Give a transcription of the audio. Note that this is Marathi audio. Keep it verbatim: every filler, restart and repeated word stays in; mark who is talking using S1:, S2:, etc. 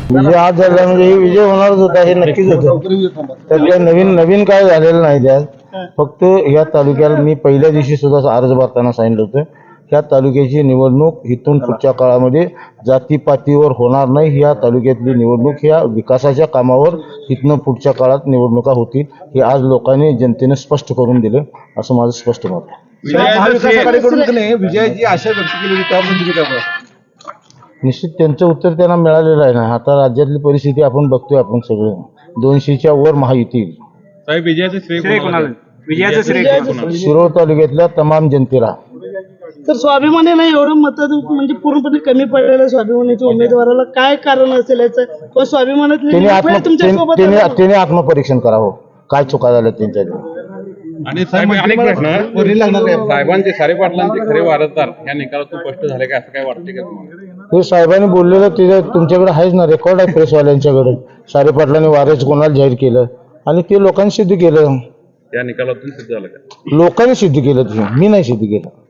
S1: विजय आज झाला म्हणजे हे विजय होणारच होता, हे नक्कीच होतं. तर काय नवीन नवीन काय झालेलं नाही त्यात. फक्त या तालुक्याला मी पहिल्या दिवशी सुद्धा अर्ज भरताना सांगितलं होतं, ह्या तालुक्याची निवडणूक इथून पुढच्या काळामध्ये जातीपातीवर होणार नाही. या तालुक्यातली निवडणूक ह्या विकासाच्या कामावर इथनं पुढच्या काळात निवडणुका होतील, हे आज लोकांनी जनतेने स्पष्ट करून दिलं, असं माझं स्पष्ट मत आहे.
S2: विजयाची आशा व्यक्त केली होती त्याबद्दल तुम्ही काय बोलाल?
S1: निश्चित त्यांचं उत्तर त्यांना मिळालेलं आहे ना. आता राज्यातली परिस्थिती आपण बघतोय, आपण सगळं दोनशेच्या वर महायुती येईल.
S3: साहेब विजयाचं श्रेय कोणाला?
S2: विजयाचं श्रेय कोणाला?
S1: शिरोळ तालुक्यातल्या तमाम जनतेला.
S4: तर स्वाभिमानीला एवढं मत म्हणजे पूर्णपणे कमी पडलेलं स्वाभिमानीच्या उमेदवाराला काय कारण असेल याचं, किंवा स्वाभिमानातली
S1: त्यांनी
S4: लोकं
S1: आत्म
S4: तुमच्या
S1: त्यांनी
S4: सोबत
S1: त्यांनी-
S4: आहेत?
S1: त्यांनी आत्मपरीक्षण करावं, काय चुका झाल्या त्यांच्या.
S3: आणि साहेब अनेक प्रश्न, साहेबांचे सारे पाटलांचे खरे वारसदार या निकालातून स्पष्ट झाले का, असं काय वाटते का तुम्हाला?
S1: हे साहेबांनी बोललेलं तिथे तुमच्याकडे आहेच ना, रेकॉर्ड आहे प्रेसवाल्यांच्याकडे. सारे पाटलांनी वारस कोणाला जाहीर केलं आणि ते लोकांनी सिद्ध केलं.
S3: या निकालातून सिद्ध झालं का?
S1: लोकांनी सिद्ध केलं, ते मी नाही सिद्ध केलं.